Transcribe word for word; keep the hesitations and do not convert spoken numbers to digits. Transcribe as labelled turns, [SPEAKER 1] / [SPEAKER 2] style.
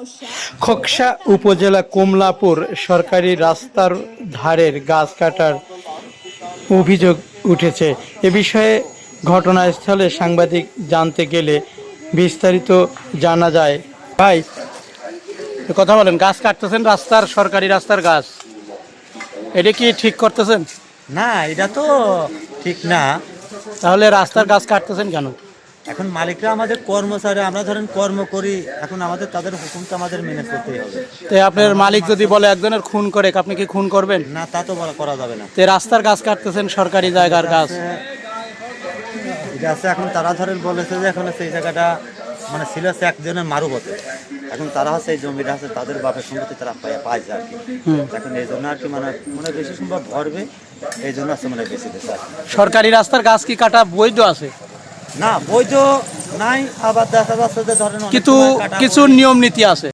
[SPEAKER 1] খোকসা উপজেলা কমলাপুর সরকারি রাস্তার ধারের গাছ কাটার অভিযোগ উঠেছে। এ বিষয়ে ঘটনাস্থলে সাংবাদিক জানতে গেলে বিস্তারিত জানা যায়। ভাই, কথা বলেন, গাছ কাটতেছেন রাস্তার, সরকারি রাস্তার গাছ, এটা কি ঠিক করতেছেন?
[SPEAKER 2] না, এটা তো ঠিক না।
[SPEAKER 1] তাহলে রাস্তার গাছ কাটতেছেন কেন?
[SPEAKER 2] এখন মালিকরা আমাদের কর্মচারী, আমরা ধরেন কর্ম করি, এখন আমাদের তাদের হুকুমটা আমাদের মেনে চলতেই হবে।
[SPEAKER 1] তো আপনার মালিক যদি বলে একজনের খুন করে, আপনি কি খুন করবেন?
[SPEAKER 2] না, তা তো বলা করা যাবে না।
[SPEAKER 1] তো রাস্তার গাছ কাটতেছেন, সরকারি জায়গার গাছ।
[SPEAKER 2] এটা আছে, এখন তারা ধরেন বলেছে যে এখন সেই জায়গাটা মানে ছিল হচ্ছে একজনের মারুবতে, এখন তারা হচ্ছে এই জমিটা আছে তাদের বাপের সম্পত্তি তারা পায় পাইছে আর কি। এখন এই জন্য আর কি মানে মানে বেশি সম্ভব ভরবে, এই জন্য আছে মানে বেশি দিচ্ছে।
[SPEAKER 1] সরকারি রাস্তার গাছ কি কাটা বৈধ আছে?
[SPEAKER 2] না, বৈধ নাই, আবার দেখা যাচ্ছে যে ধরেন
[SPEAKER 1] কিছু কিছু নিয়ম নীতি আছে।